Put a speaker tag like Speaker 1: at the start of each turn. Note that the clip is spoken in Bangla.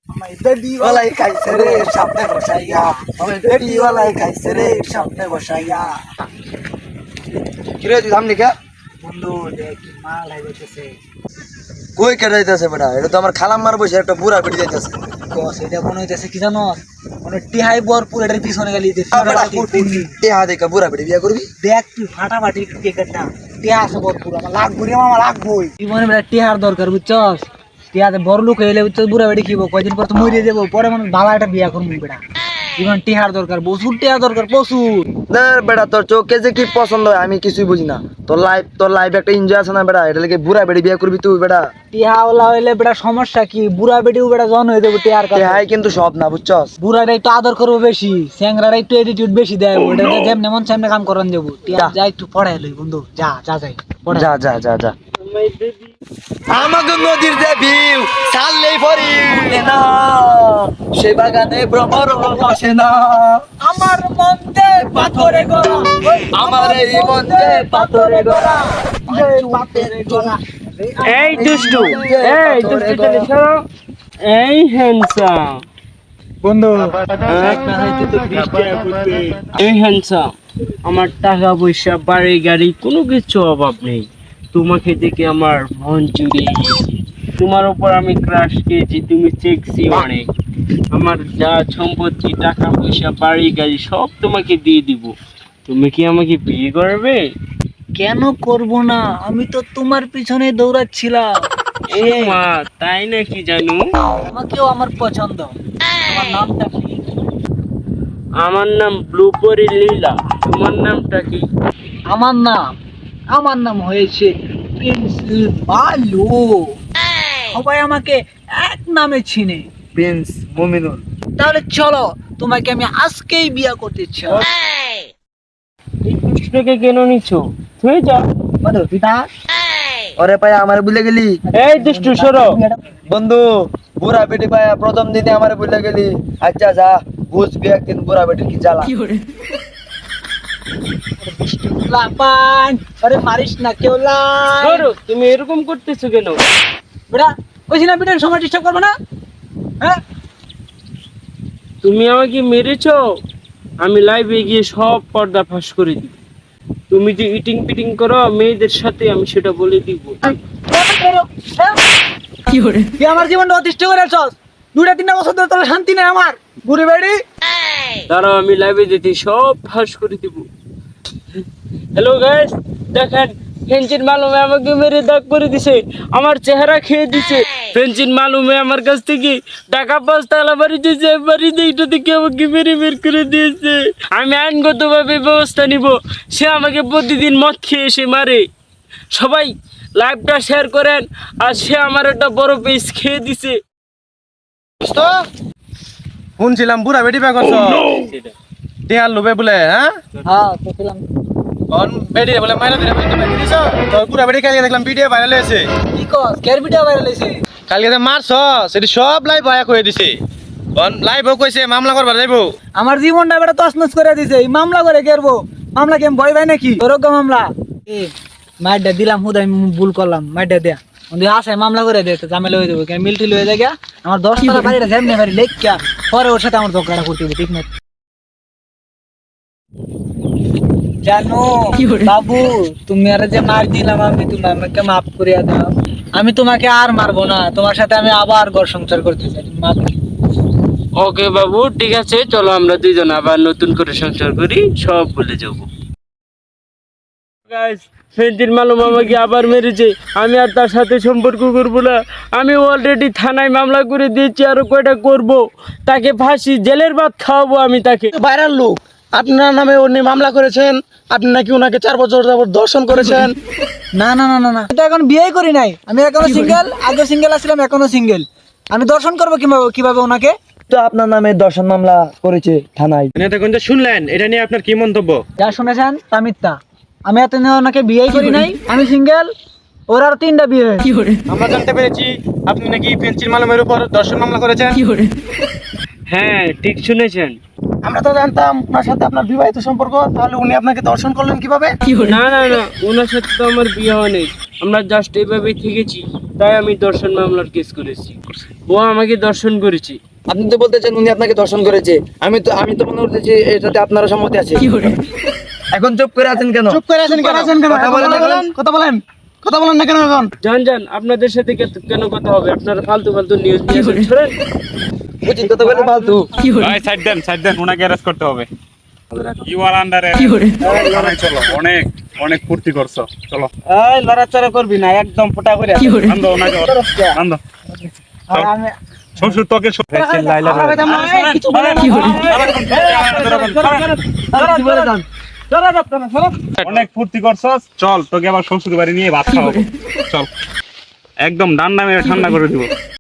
Speaker 1: বেডিওয়ালাই খাইছে রে সামনে বসাইয়া, বেডিওয়ালাই খাইছে রে সামনে বসাইয়া।
Speaker 2: কিরে তুই সামনে কে
Speaker 1: বন্ধু দেখ মাল হাইতেছে।
Speaker 2: কই কে যাইতেছে বেটা? এটা তো আমার খালাম মার বসে একটা বুড়া বেটি যাইতেছে।
Speaker 1: কস এটা মনে হইতেছে কি জানো, মানে টিহাই ভরপুর এটার পিছনে গেলি
Speaker 2: টেহা দেখা বুড়া বেটি বিয়া করবি?
Speaker 1: দেখ তুই ফাটাফাটি টিকেটটা টিহা আছে ভরপুর, আমার লাগবো রে মামা লাগবোই। জীবনে বেটা টিহার দরকার বুঝছস, টিহাতে বড় লোক হইলে বুঝছস বুড়া বেটি খিব, কয়দিন পর তো মরে যাবো, পরে মানে ভালো একটা বিয়া করবো বেটা। জীবন টিহার দরকার, প্রচুর টিহার দরকার প্রচুর।
Speaker 2: ধর বেটা তোর চোখে যে কি পছন্দ হয় আমি কিছুই বুঝি না। তোর লাইফ একটা এনজয় আছে না বেটা, এটা লাগে বুড়া বেটি বিয়া করবি তুই বেটা?
Speaker 1: টিহাওয়ালা হইলে বেটা সমস্যা কি, বুড়া বেটিও বেটা জন হয়ে যাবো টিহার কাছে।
Speaker 2: টেহাই কিন্তু সব না বুঝছস।
Speaker 1: বুড়াটা একটু আদর করবো বেশি, স্যাংরারা একটু এটিটিউড বেশি দেয়, ওটা যেমন মন সামনে কাম করান যাবো। টিহা যা একটু পড়াই লই বন্ধু, যা যা যাই পড়াই।
Speaker 2: যা যা যা যা। আমাকে নদীর যে ভিউ ছাড়লেই পরি না, সে বাগানে ভ্রমর বসে না।
Speaker 1: আমার মনতে পাথরে গড়া,
Speaker 2: আমার এই মনে পাথরে গড়া,
Speaker 1: পাথরে গড়া।
Speaker 3: এই দুষ্টু, এই দুষ্টু চলে সরো। এই হ্যান্ডসাম
Speaker 1: বন্ধু
Speaker 3: এই হ্যান্ডসাম, আমার টাকা পয়সা বাড়ি গাড়ি কোনো কিছু অভাব নেই। তোমাকে দেখে আমার মন জুড়িয়ে গেছে, তোমার উপর আমি ক্রাশ খেয়েছি, তুমি সেক্সি অনেক। আমার যা সম্পত্তি টাকা পয়সা বাড়ি গাড়ি সব তোমাকে দিয়ে দিব। তুমি কি আমাকে বিয়ে করবে?
Speaker 1: কেন করব না, আমি তো তোমার পিছনে দৌড়াচ্ছিলাম।
Speaker 3: ও মা, তাই নাকি জানু?
Speaker 1: আমাকেও আমার পছন্দ। আমার নামটা কি?
Speaker 3: আমার নাম ব্লুপরি লীলা। তোমার নামটা কি?
Speaker 1: আমার নাম হয়েছে প্রিন্স বালু। সবাই আমাকে এক নামে চিনে।
Speaker 2: প্রিন্স মুমিনুল।
Speaker 1: তাহলে চলো, তোমাকে আমি আজকেই বিয়ে করতে চাই।
Speaker 3: এই দুষ্টুটাকে কেন নিচ্ছ? তুই যা।
Speaker 1: বন্ধু পিতা,
Speaker 2: ওরে পায় আমারে ভুলে গেলি?
Speaker 3: এই দুষ্টু সরো।
Speaker 2: বন্ধু বুড়া বেটি পায়া প্রথম দিনে আমারে ভুলে গেলি। আচ্ছা যা, বুঝবি একদিন বুড়া বেটির কি জ্বালা।
Speaker 1: লাপান আরে মারিস না কেউ লাই।
Speaker 3: সরো, তুমি এরকম করতেছো কেন?
Speaker 1: বেটা কইছি না বেটার সময় ডিস্টার্ব করবে না। হ্যাঁ
Speaker 3: তুমি আমাকে মেরেছো, আমি লাইভে গিয়ে সব পর্দা ফাঁস করে দিব। তুমি যে ইটিং পিটিং করো মেয়েদের সাথে, আমি সেটা বলে দিব।
Speaker 1: কি করে তুই আমার জীবনটা অতিষ্ঠ করে আছস? 2-3 বছর ধরে তোর শান্তি নেই আমার বুড়ি বেড়ি।
Speaker 3: দাঁড়াও, আমি লাইভে যেতে সব ফাঁস করে দিব। হ্যালো গাইস, দেখেন ফেঞ্চিন মালুমে আমাকে মেরে দাগ করে দিছে, আমার চেহারা খেয়ে দিছে। ফেঞ্চিন মালুমে আমার কাছ থেকে টাকা 5 তালা বাড়ি দিয়েছে, বাড়িতে এইটা থেকে আমাকে মেরে বের করে দিয়েছে। আমি আইনগতভাবে ব্যবস্থা নিব। সে আমাকে প্রতিদিন মদ খেয়ে এসে মারে। সবাই লাইভটা শেয়ার করেন, আর সে আমার একটা বড় পিস খেয়ে দিছে।
Speaker 4: শুনছিলাম বুড়া বেটি বিয়া করছ, টিয়ার লোভে বলে। হ্যাঁ
Speaker 1: হ্যাঁ তো পেলাম।
Speaker 4: বেটি বলে মাইনা দিলে দিছ তোর বুড়া বেটি। কালকে দেখলাম ভিডিও ভাইরাল হয়েছে,
Speaker 1: কি কস কেয়ার ভিডিও ভাইরাল হইছে?
Speaker 4: কালকে যে মারছ সেটি সব লাইভ বয়া করে দিছে। লাইভও কইছে মামলা করবার যাইবো।
Speaker 1: আমার জীবনটা বেটা তছনছ করে দিছে, এই মামলা করে কেরবো? মামলা কি আমি ভয় পাই নাকি? তোরগা মামলা এ মাইডা দিলাম, হুদ আমি ভুল করলাম, মাইডা দেয়া ওই আসে মামলা করে দে, তো ঝামেলা হয়ে যাবে। কেন মিলটিল হয়ে যায় গিয়া, আমার 10 টাকা বাড়িটা যেমনি বাড়ি লেখা পরে ওর সাথে আমার ঝগড়া করতে হবে, ঠিক না? জানো বাবু, তুমি আর যে মার দিলাম, আমি তুমি আমাকে মাফ করিয়া দাও। আমি তোমাকে আর মারবো না, তোমার সাথে আমি আবার ঘর সংসার করতে চাই, মাফ।
Speaker 3: ওকে বাবু, ঠিক আছে, চলো আমরা দুইজন আবার নতুন করে সংসার করি, সব ভুলে যাবো। গাইস, ফেন্টির মালুম আমাকে আবার মেরেছে, আমি আর তার সাথে সম্পর্ক করবো না। আমি অলরেডি থানায় মামলা করে দিয়েছি, আরো কয়টা করব। তাকে ফাঁসি জেলের ভাত খাওয়াবো আমি তাকে।
Speaker 4: ভাইরাল লোক, আপনার নামে উনি মামলা করেছেন, আপনি নাকি ওনাকে 4 বছর যাবত দর্শন করেছেন।
Speaker 1: না না না না না, এটা এখন বিয়ে করি নাই, আমি এখনো সিঙ্গেল। আগে সিঙ্গেল আসছিলাম, এখনো সিঙ্গেল। আমি দর্শন করবো কিভাবে ওনাকে?
Speaker 2: তো আপনার নামে দর্শন মামলা করেছে থানায়।
Speaker 4: দেখুন যে শুনলেন, এটা নিয়ে আপনার কি মন্তব্য?
Speaker 1: যা শুনেছেন তা মিথ্যা। আমি এত ওনাকে বিয়ে করি নাই, আমি সিঙ্গেল। ওর আর 3টা বিয়ে।
Speaker 4: আমরা জানতে পেরেছি আপনি নাকি ফেঞ্চির মালুমের উপর দর্শন মামলা করেছেন।
Speaker 3: হ্যাঁ, ঠিক শুনেছেন।
Speaker 4: আমরা তো জানতাম ওনার সাথে আপনার বিবাহিত সম্পর্ক, তাহলে উনি আপনাকে দর্শন করলেন কিভাবে?
Speaker 3: না না না, ওনার সাথে তো আমার বিয়ে হয়নি, আমরা জাস্ট এইভাবেই থেকেছি, তাই আমি দর্শন মামলার কেস করেছি। ও আমাকে দর্শন করেছে।
Speaker 2: আপনি তো বলতেছেন উনি আপনাকে দর্শন করেছে, আমি তো মনে করতেছি এটাতে আপনারও সম্মতি আছে। এখন চুপ করে আছেন কেন?
Speaker 4: চুপ করে আছেন কেন?
Speaker 2: কথা বলেন না কেন?
Speaker 4: কথা বলেন না কেন এখন?
Speaker 3: জান আপনাদের সাথে কেন কথা হবে? আপনারা ফালতু নিউজ নিয়ে ছড়েন।
Speaker 2: বুঝছেন কথা বলে ফালতু।
Speaker 5: ভাই সাইড দেন ওনাকে অ্যারেস্ট করতে হবে। ইউ আর আন্ডার চলো, অনেক ফুর্তি করছো, চলো
Speaker 1: এই লড়াচড়া করবি না, একদম ফোটা করে
Speaker 5: আন্দো ওনাকে আন্দো।
Speaker 1: আর আমি
Speaker 5: শ্বশুর তোকে
Speaker 1: কিছু বলে না। কি বলে যান?
Speaker 5: অনেক ফুর্তি করছস, চল তোকে আবার শ্বশুর বাড়ি নিয়ে ভাত খাওয়াবো, চল একদম ডান্ডা মেরে ঠান্ডা করে দিব।